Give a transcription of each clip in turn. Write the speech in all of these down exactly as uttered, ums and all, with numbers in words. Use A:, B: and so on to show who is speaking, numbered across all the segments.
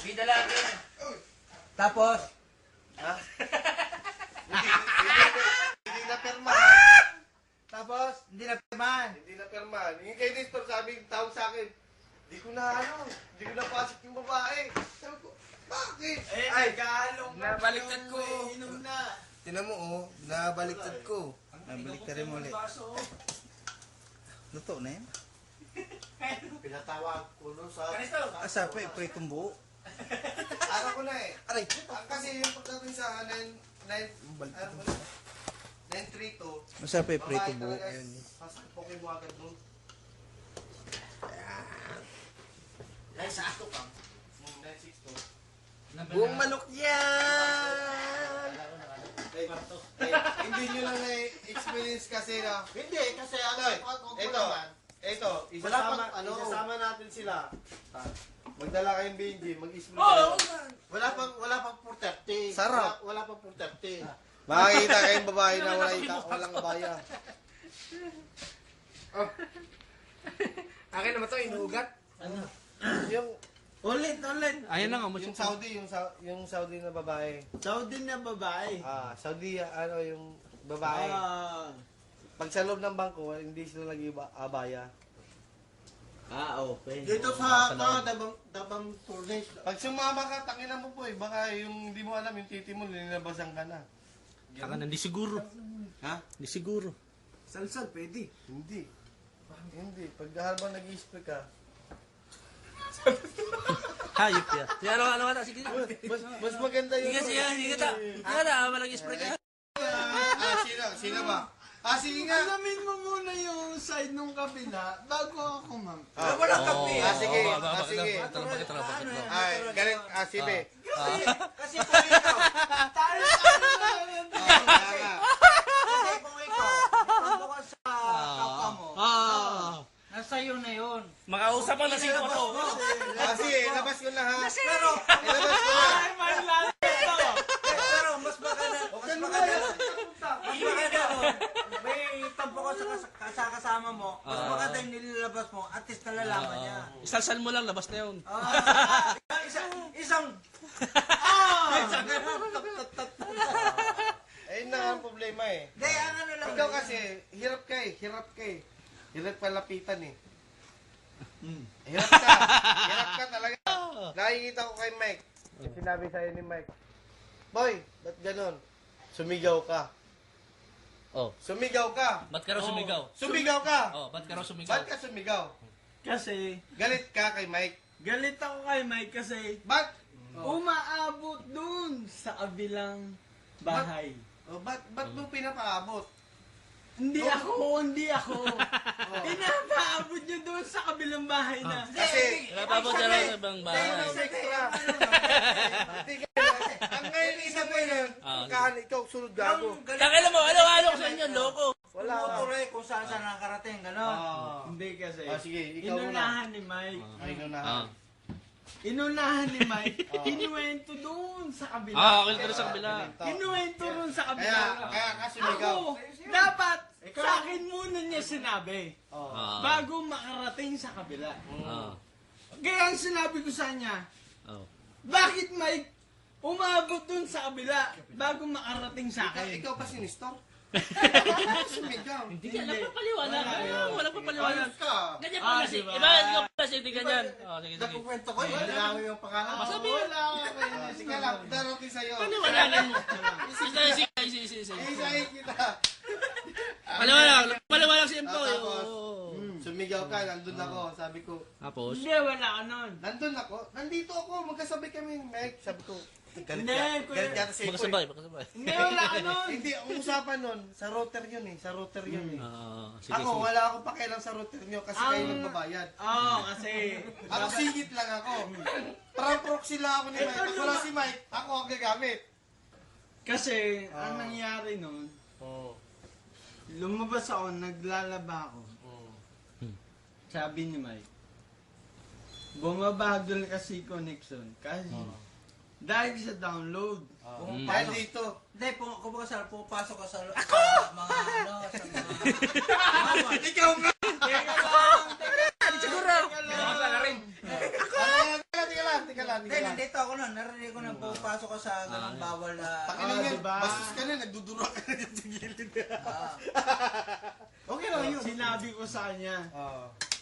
A: Bida lang yun.
B: Tapos,
C: Ha? Hindi, hindi na perma.
B: tapos, hindi na pirmahan.
C: Hindi na perma. Yung kay Nestor sabi, tawag sa akin, di ko na ano, di ko na pasok yung babae. Sabi ko, bakit?
B: Eh,
C: Ay,
B: galong
C: nabaliktad ko.
B: Inom na.
C: tinan mo oh, nabaliktad ko. Nabaliktad rin mo ulit.
B: Luto na yan.
C: Pinatawag ko no sa...
B: Asa pa, pritong buo.
C: Araw ko na eh. Aray, kasi yung pagdating sa nine three two,
B: Asa pa,
C: babae
B: pritong buo.
C: talaga,
B: Ayun.
C: sasapokin mo agad doon.
A: Dahil sa ato pa.
C: nine six two.
B: Buong manok yan!
C: Eh, eh, hindi nyo lang na-experience kasi na...
D: Hindi, kasi ano,
C: Ay,
D: pag kung
C: ito,
D: naman,
C: ito,
D: wala
C: isasama,
D: pang, ano,
C: isasama natin sila. Magdala kayong Benji, mag-spray
A: Oo!
D: wala pang, wala pang four thirty.
C: Sarap.
D: Wala, wala pang four thirty.
C: Makikita kayong babae na wala ika, walang abaya.
A: Akin naman to, inuugat.
C: Yung,
D: Ulit, ulit.
E: Ayan na nga, mo
C: yung Saudi, yung, Sa- yung Saudi na babae.
D: Saudi na babae.
C: Ah, Saudi, ano, yung babae.
D: Ah,
C: Pag sa loob ng bangko, hindi sila nag-abaya.
D: ah, okay. Dito sa, sa Dabang, Dabang Furnace.
C: Pag sumama ka, tangina mo po eh. Baka yung hindi mo alam, yung titi mo, nilinabasan ka na.
E: Taka na, hindi siguro.
C: Ha?
E: Hindi siguro.
B: Salsal, pwede.
C: Hindi. Hindi. Pag habang nag-i-spray ka,
E: Hayop ya. Sige, ano, ano, ano, sige.
C: mas, mas maganda yung...
E: Sige, sige, sige ta. Sige ta, malang spray ka.
C: Ah, sino? Sino ba? Ah, sige nga.
D: Alamin mo muna yung side nung kabila bago ako, ma'am.
C: Ah,
B: Walang kape.
C: Ah, sige.
E: Oo,
C: Ah,
E: bakit
C: sige.
E: lang, bakit lang, bakit lang, bakit lang.
C: Ay, galing. Ah, sige.
B: Kasi kung ikaw,
D: Tayo, tayo na yan.
C: Ah, kaya nga.
B: kasi kung ikaw, ito ka sa kapwa mo,
E: Ah.
B: nasa iyo na yun.
E: Makausap ang lasing ko to.
C: Ah, sige. Labas ko na ha.
B: Pero,
C: Ilabas ko na.
D: Ay, man lang ito.
B: pero, mas maganda, mas maganda, mas maganda nun, may tampo ko sa, kas- sa kasama mo, mas
E: Ah.
B: maganda yung nililabas mo, at least nalalaman niya.
E: Isalsal mo lang, labas na yun.
B: Ah, isang, isang, ah, isang,
C: Ayun na nga ang problema eh.
B: Hindi, ang ano lang.
C: Ikaw kasi, hirap ka eh. Hirap ka eh. Hirap palapitan eh. Hirap ka. Hirap ka talaga. Nakikita ko kay Mike. Sinabi sa'yo ni Mike, Boy, ba't ganon? Sumigaw ka.
E: Oh.
C: Sumigaw ka.
E: Ba't ka raw sumigaw?
C: Sumigaw ka.
E: Oh, ba't ka raw sumigaw?
C: Ba't ka sumigaw?
D: Kasi,
C: Galit ka kay Mike.
D: galit ako kay Mike kasi
C: Ba't?
D: umaabot dun sa kabilang bahay.
C: Oh, ba't, ba't mo pinapaabot?
D: Hindi ako, hindi ako. Pinapaabot niya doon sa kabilang bahay na.
C: Kasi,
E: Napabot na lang sa ibang bahay.
C: extra. Hindi ka. Ang ngayon isa mo yun.
E: Ah,
C: Kahan, ikaw sunod gago.
E: Takila mo, ano-ano ko sa inyo, loko.
C: Wala ka.
B: Motor kung saan saan nakarating, gano'n.
C: Ah.
D: Hindi kasi.
C: Ah, sige, ikaw muna.
D: Inunahan ni Mike.
C: Ay, no na.
E: Ah.
D: Inunahan ni Mike. Kinuwento doon sa kabila.
E: Ah, okay ka rin sa kabila.
D: Kinuwento doon sa kabila.
C: Kaya, kaya ka sumigaw.
D: Ako, dapat sa akin muna niya sinabi.
C: Oh.
E: Ah.
D: Bago makarating sa kabila.
E: Ah.
D: Kaya ang sinabi ko sa kanya,
E: Oh.
D: bakit Mike umabot dun sa kabila bago makarating sa
C: Ikaw,
D: akin?
C: ikaw pa sinistor? Ikaw sumigaw.
E: Hindi ka napapaliwanag. Ah, Walang papaliwanag.
C: Ayos ka.
E: Ganyan
D: Ah,
E: pala si...
D: diba?
E: Iba, ikaw pala si Tingnan yan. Oh, sige, sige.
C: Nakukwento ko, hindi lang ako yung pangalan.
E: Masabi
D: Ah, wala ako kayo.
C: Ah, sige lang, darating sa'yo.
E: Paliwanagan mo. Isa, isa, isa, isa, isa.
C: Isahin kita.
E: Paliwanag. Paliwanag si Empo.
C: Ah,
E: eh.
C: tapos,
E: Oo.
C: Sumigaw ka, nandun ako. Sabi ko,
E: Tapos?
D: Hindi, wala ka nun.
C: nandun ako. Nandito ako, magkasabay kami ni Mike. Sabi ko, galit
D: Hindi,
C: ka.
D: kuya.
C: Galit yata si Epo.
E: Magkasabay, magkasabay.
D: Hindi, wala ka nun.
C: Hindi, ang usapan nun, sa router yun eh. Sa router yun eh.
E: Ah, sige,
C: Ako,
E: sige.
C: wala akong pakialam sa router nyo kasi
D: Ang-
C: kayo nagbabayad.
D: Oo, kasi...
C: Ako singit lang ako. Parang proxy lang ako ni Mike.
D: Ito
C: Pag wala si Mike, ako ang gagamit.
D: Kasi,
C: Ah.
D: ang nangyari nun,
C: Oo.
D: lumabas ako, naglalaba ako.
C: Oo.
D: Sabi ni Mike, bumabagol kasi connection. Kasi, dahil sa download.
E: Mm.
C: Dahil dito.
B: Hindi, kung kung baka sa pupasok ka sa sa mga ano, sa mga
C: Ikaw nga!
D: Teka lang, teka lang.
E: Siguro.
D: Teka lang.
C: Ah, Teka lang, teka lang, teka lang. lang,
B: Hindi,
C: tingnan lang.
B: nandito ako nun. Narinig ko na pupasok ka sa ganang bawal na...
C: Pakinig
D: Ah,
C: yan,
D: diba?
C: bastos ka na, nagdudura ka na dyan sa gilid.
B: Ah.
C: Okay lang yun.
D: Sinabi ko sa kanya,
C: Oo.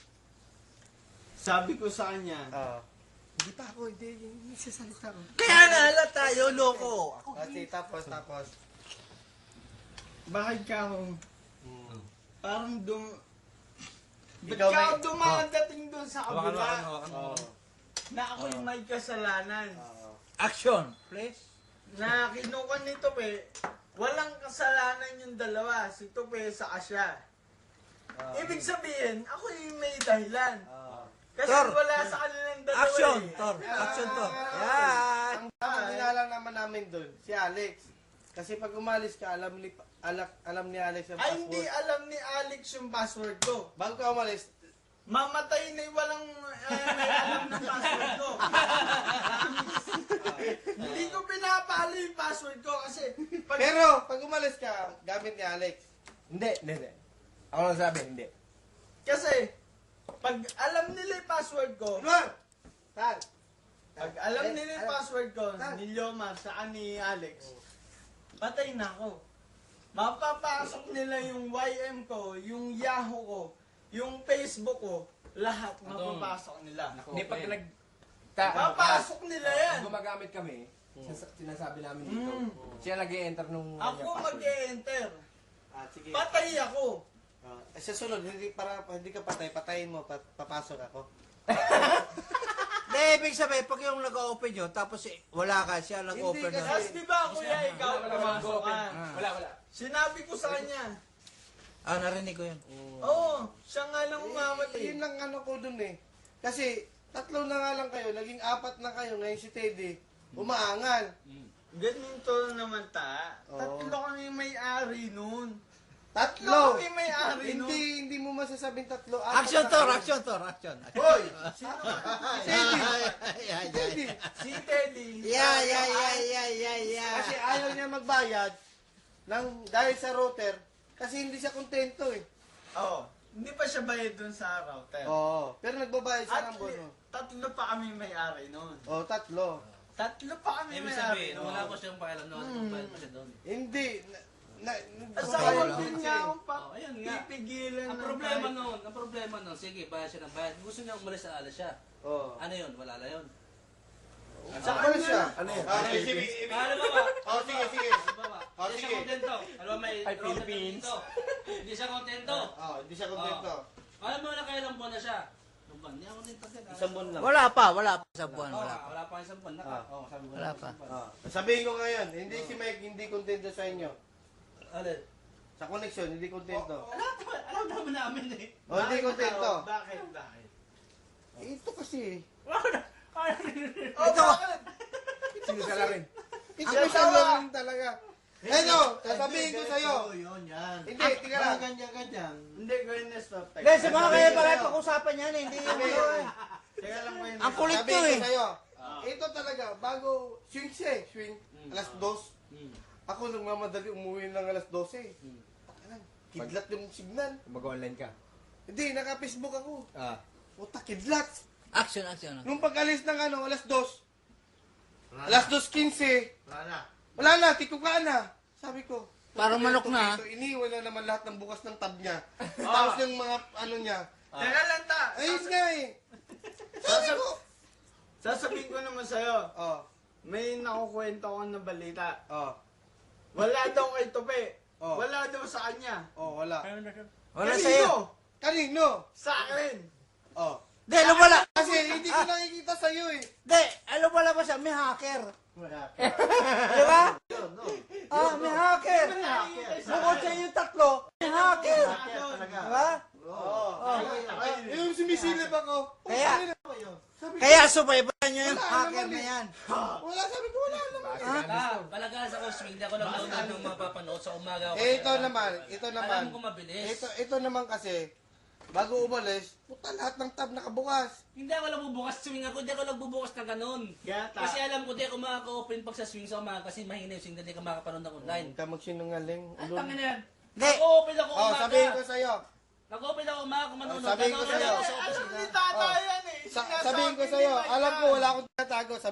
D: sabi ko sa kanya,
C: Oo. Hindi pa ako, hindi, hindi sasalita ko.
B: Kaya nga halat tayo, loko. Ako,
C: Kasi tapos, tapos.
D: bakit ka ako,
C: Hmm.
D: parang dum... Ba't
C: Ikaw
D: ka
C: may-
D: ako dumadating doon sa
E: Hawakan mo,
D: kabila
E: hawakan mo, hawakan mo.
C: Oo.
D: na ako'y may kasalanan?
C: Oo.
B: action, please.
D: Na kinuha ni Tope, walang kasalanan yung dalawa, si Tope sa siya.
C: Oo.
D: Ibig sabihin, ako yung may dahilan.
C: Oo.
D: Kasi
B: Tor,
D: wala sa kanilang dalawa
B: Action,
D: eh.
B: Tor. Action, Tor.
C: Ah.
B: Yan.
C: Ang tamang dinalang naman namin doon, si Alex. Kasi pag umalis ka, alam ni alak, alam ni Alex ang
D: Ay,
C: password.
D: hindi alam ni Alex yung password ko.
C: Bago ka umalis,
D: Mamatay na yung walang eh, may alam ng password ko. Hindi ko pinapalo yung password ko kasi pag
C: pero pag umalis ka, gamit ni Alex.
A: Hindi, hindi, hindi. Ako lang sabi, hindi.
D: kasi pag alam nila yung password ko,
C: Luan! Tal!
D: pag alam nila yung password ko ni Liomar sa ni Alex, patay na ako. Mapapasok nila yung Y M ko, yung Yahoo ko, yung Facebook ko, lahat mapapasok nila.
A: Hindi, pag nag... Ta,
D: Mapasok nila yan.
A: Pag gumagamit kami, sins- sinasabi namin dito,
D: Mm.
A: siya nag-e-enter nung...
D: Ako
A: kanyang password.
D: mag-e-enter.
C: Ah, sige.
D: Patay ako.
C: Ah, eh, sa sunod, hindi, para, hindi ka patay, patayin mo, pa, papasok ako.
B: Hindi, ibig sabihin, pag yung nag-open yun, tapos eh, wala ka, siya nag-open
C: Hindi,
B: nun.
D: Tapos di ba kuya, ikaw
A: Wala, wala,
D: pumasok
A: wala,
D: ka.
A: wala. Wala, wala.
D: Sinabi ko sa kanya,
B: Ah, narinig ko yun.
D: oo, siya nga lang
C: Eh,
D: umamatay.
C: yun lang ano ko dun eh. Kasi, tatlo na nga lang kayo, naging apat na kayo, ngayon si Teddy, umaangal.
D: Ganito naman ta.
C: Oo.
D: Tatlo kami may-ari nun.
C: Tatlo!
D: kami may-ari nun.
C: Hindi, hindi mo masasabing tatlo. apat
B: Action,
C: na
B: Tor.
C: kayo.
B: Action, Tor. Action.
C: Hoy!
D: Sino?
C: Teddy!
B: Yeah,
C: Teddy!
D: Si Teddy.
B: yeah, yeah, yeah, yeah, yeah, yeah.
C: Kasi ayaw niya magbayad ng, dahil sa router, kasi hindi siya kontento eh.
D: Oo. Hindi pa siya bayad dun sa router.
C: Oo. Pero nagbabayad siya
D: At
C: ng bono.
D: tatlo pa kami may-ari nun.
C: Oo, tatlo.
D: Tatlo pa kami
E: Ibig
D: may-ari
E: sabihin,
D: nun.
E: wala ko siyang pakialam noon,
D: Hmm.
E: bayad pa siya doon.
C: Hindi. Na, na,
D: At
C: nagbabayad
D: sa
C: lang
D: din
C: siya
D: niya
C: eh.
D: akong pa
E: Oh, ayun nga.
D: pipigilan
E: Ang
D: ng
E: problema
D: kahit-
E: noon, ang problema noon, sige, bayad siya ng bayad. Gusto niya umalis sa alas siya.
C: Oo.
E: Ano yun? Wala na yun.
C: Sa ano siya?
A: Ano yan?
C: Ah, sige, sige.
E: Ano ba ba?
C: Oh, sige, sige.
E: Ano ba?
C: Oh,
E: Hindi siya
C: sige.
E: kontento. Ano ba may
A: Ay,
E: router
A: Philippines.
E: dito? Hindi siya kontento.
C: Oh, hindi siya kontento.
E: Alam mo na kailang buwan na siya? Ano ba? Hindi ako din tagal.
A: Isang buwan lang.
B: Wala pa, wala pa sa buwan,
E: Oo,
B: wala pa.
E: wala pa isang buwan. Naka,
C: Ah.
E: oh, sabi ko.
B: Wala pa.
E: isang buwan.
C: Ah, sabihin ko ngayon, hindi si Mike hindi kontento sa inyo.
E: Alin?
C: Sa connection, hindi kontento.
E: Alam naman, alam naman namin eh.
C: Oh, hindi kontento.
D: Bakit? Bakit?
C: Ito kasi.
D: Oh, bakit?
A: Sinisala rin.
C: Ito kasi lang talaga. Eto, sasabihin ko sa'yo.
D: Yun, yan.
C: Hindi, tika lang.
D: ganyan-ganyan. Hindi ko yun na-stop.
B: Hindi, sa mga kaya pala pag-usapan yan, eh, hindi yung ano eh.
D: Teka lang ko yun.
B: Ang kulit to
C: Sabihin
B: eh.
C: ko sa'yo. Ito talaga, bago swing siya eh, swing. Alas dos.
E: Hmm.
C: Ako nagmamadali umuwi ng alas dose. Takanang, kidlat yung signal.
A: Mag-online ka.
C: Hindi, naka-Facebook ako.
A: Ah.
C: Puta, kidlat.
B: Action, action.
C: Nung pag-alis ng ano, alas dos. Alas dos quince.
D: Wala na.
C: Wala na, tikuka na. Sabi ko.
B: Parang manok na.
C: Ito, iniwan na naman lahat ng bukas ng tab niya. Tapos yung mga ano niya.
D: Teka lang ta.
C: Ayos nga eh. Sabi ko.
D: Sasabihin ko naman sa'yo,
C: Oh,
D: may nakukwento ko na balita.
C: oh,
D: Wala daw kay Tope.
C: Oh.
D: Wala daw sa kanya.
C: oh, wala.
B: Wala
D: Kanino?
B: sa'yo.
C: Kanino?
D: Sa akin.
C: Oh.
B: Hindi, alam wala.
C: Kasi hindi ko nakikita sa'yo eh.
B: Hindi, alam wala ba siya, may hacker. Di ba? Ah, may hacker. Bukod sa yung tatlo, may hacker. Di ba?
C: Oo. Eh, yung sumisilip ako.
B: Kaya-
C: Sabi ko,
B: Kaya subaybayan nyo yung
C: Wala
B: hacker
C: naman
B: na
C: eh.
B: yan.
C: wala, sabi ko wala naman.
E: Ah, palagaas ako swing. Di ako lang naunod ng mapapanood sa umaga. ako.
C: Eh, ito naman, ito naman.
E: Alam ko mabilis.
C: Ito, ito naman kasi, bago umalis, puta lahat ng tab nakabukas.
E: Hindi ako lang bubukas swing ako. Hindi ako lang bubukas ng ganun.
D: Gata.
E: Kasi alam ko, di ako makaka-open pag sa swing sa umaga kasi mahina yung swing. Hindi ka makapanood ng online.
C: Huwag ka magsinungaling.
E: Ang
C: Ulol.
E: tangin na yan.
B: Hindi.
E: Nag-open ako
C: Oh,
E: umaga.
C: sabihin ko sa'yo.
E: Nag-open ako umaga kung manonood.
C: Oh, sabihin ko
E: Nanonood
C: sa'yo.
E: ako sa
D: Ano
E: opisina.
D: ni tata
C: Oh.
D: yan eh.
C: Sa,
D: Sinasabi
C: sabihin ko
D: ni
C: sa'yo,
D: Mike
C: alam ko
D: yan.
C: wala akong tinatago.